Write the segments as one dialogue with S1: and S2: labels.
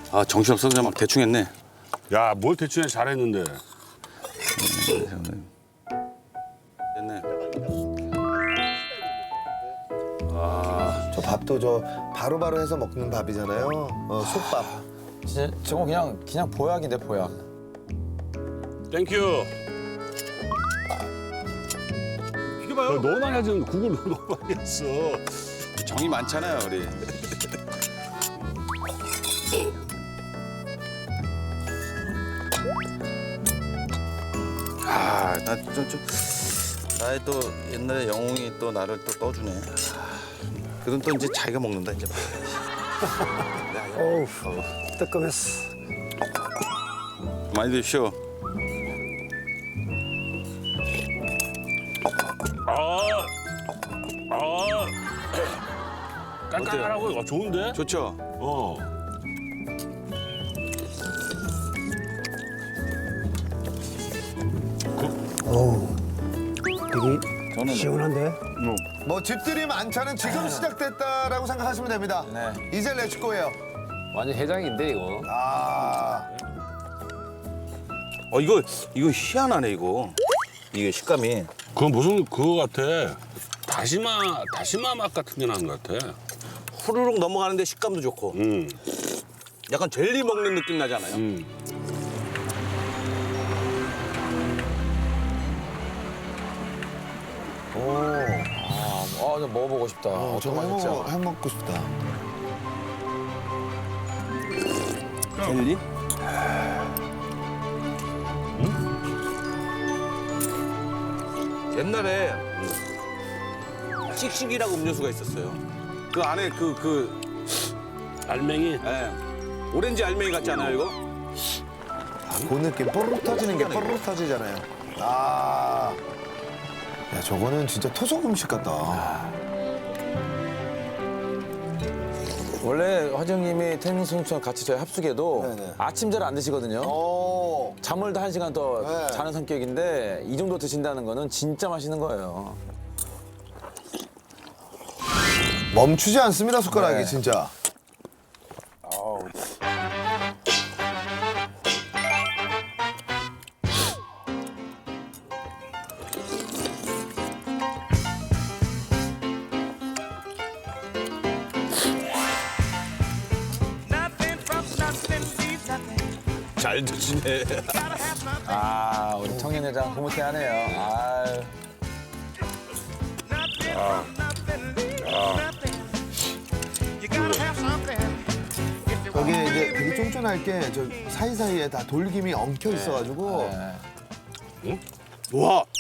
S1: 아 정신없어서 그냥 막 대충 했네.
S2: 야, 뭘 대충 해 잘했는데.
S1: 됐네.
S3: 저 밥도 저 바로바로 해서 먹는 밥이잖아요. 솥밥.
S4: 진짜 저거 그냥 보약인데 보약.
S2: 땡큐. 이게 봐요. 너무 많이 하지. 국을 너무 많이 했어.
S1: 정이 많잖아요 우리. 나의 또 옛날에 영웅이 또 나를 또 떠주네. 그럼 또 이제 자기가 먹는다 이제.
S5: 어우, 뜨끔했어.
S1: 많이 드십시오.
S2: 깔깔하고 좋은데?
S1: 좋죠.
S2: 어.
S5: 어우, 되게
S1: 저는
S5: 시원한데?
S3: 뭐 집들이 많잖은 지금 시작됐다라고 생각하시면 됩니다.
S4: 네.
S3: 이제 렛츠고예요.
S6: 완전 해장인데 이거.
S3: 아,
S1: 이거 희한하네 이거. 이게 식감이.
S2: 그건 무슨 그거 같아. 다시마 맛 같은 게 나는 것 같아.
S1: 후루룩 넘어가는데 식감도 좋고. 약간 젤리 먹는 느낌 나잖아요.
S4: 좀 먹어보고 싶다.
S3: 저거
S4: 맛있지?
S3: 해먹고 싶다.
S1: 젤리? 옛날에 씩씩이라고 음료수가 있었어요. 그 안에
S2: 알맹이.
S1: 예. 오렌지 알맹이 같지 않아요 이거?
S3: 그 느낌 뽀르륵 터지는 게 뽀르륵 터지잖아요. 아, 야 저거는 진짜 토속 음식 같다.
S4: 원래 화정님이 태민선수랑 같이 저희 합숙해도
S3: 네네.
S4: 아침 잘 안 드시거든요.
S3: 오,
S4: 잠을 다 1시간 더
S3: 네.
S4: 자는 성격인데 이 정도 드신다는 거는 진짜 맛있는 거예요.
S3: 멈추지 않습니다 숟가락이
S4: 네.
S3: 진짜.
S1: 잘 드시네.
S4: 우리 청년회장 흐뭇해하네요. 아유.
S3: 여기에 이제 되게 쫀쫀할 게 저 사이사이에 다 돌김이 엉켜 있어가지고
S1: 와,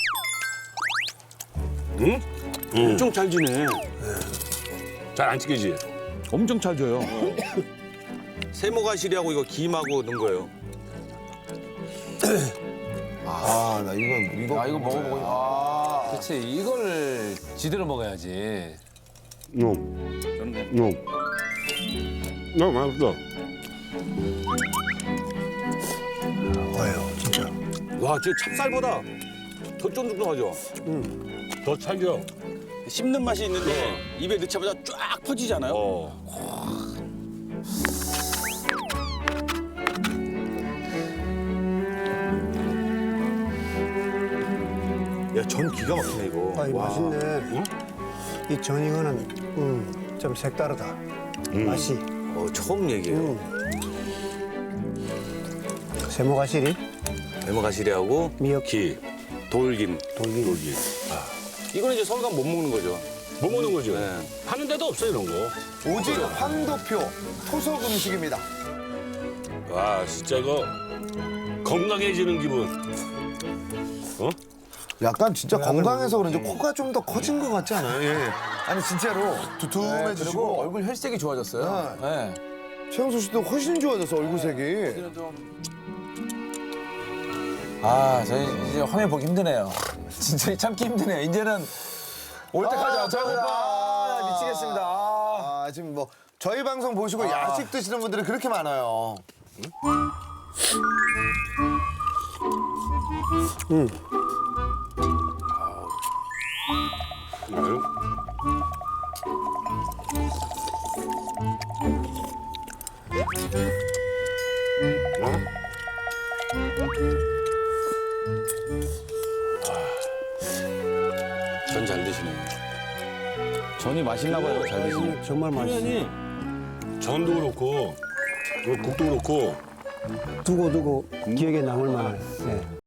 S2: 응?
S1: 엄청 잘 지네.
S2: 잘 안 찢기지?
S1: 엄청 잘 줘요. 세모가시리하고 이거 김하고 넣은 거예요.
S3: 아, 나 이거
S4: 이거 먹어보고 싶다.
S6: 그렇지 이걸 지대로 먹어야지.
S1: 저는
S2: 맛있어.
S5: 뭐예요, 진짜.
S1: 와, 저 찹쌀보다 더 쫀득하죠.
S2: 더 찰져.
S1: 씹는 맛이 있는데 입에 넣자마자 쫙 퍼지잖아요. 야, 전 기가 막히네 이거.
S5: 아, 이
S1: 와.
S5: 맛있네. 이 전 이거는 좀 색다르다. 맛이.
S1: 처음 얘기해요.
S5: 세모가시리,
S1: 세모가시리하고
S5: 미역,
S2: 기,
S1: 돌김.
S5: 돌김.
S1: 이거는 이제 서울 가면 못 먹는 거죠.
S2: 못 먹는 거죠?
S1: 네.
S2: 파는 데도 없어 이런 거.
S3: 오직 황도표 토속 음식입니다.
S2: 와, 진짜 이거 건강해지는 기분. 어?
S3: 약간 진짜 건강해서 그런지 코가 좀 더 커진 것 같지 않아요? 예. 아니 진짜로
S4: 그리고
S3: 두툼해지시고
S4: 얼굴 혈색이 좋아졌어요. 네.
S3: 최영수 씨도 훨씬 좋아졌어 얼굴색이.
S4: 저희 이제 화면 보기 힘드네요. 진짜 참기 힘드네요. 이제는 올 때까지
S3: 배고파.
S4: 미치겠습니다.
S3: 지금 뭐 저희 방송 보시고 야식 드시는 분들이 그렇게 많아요.
S2: 아유. 전 잘 드시네.
S4: 전이 맛있나 봐요. 잘 드시네.
S5: 정말 맛있어.
S2: 전도 그렇고 국도 그렇고
S5: 두고 기억에 남을 만한. 예.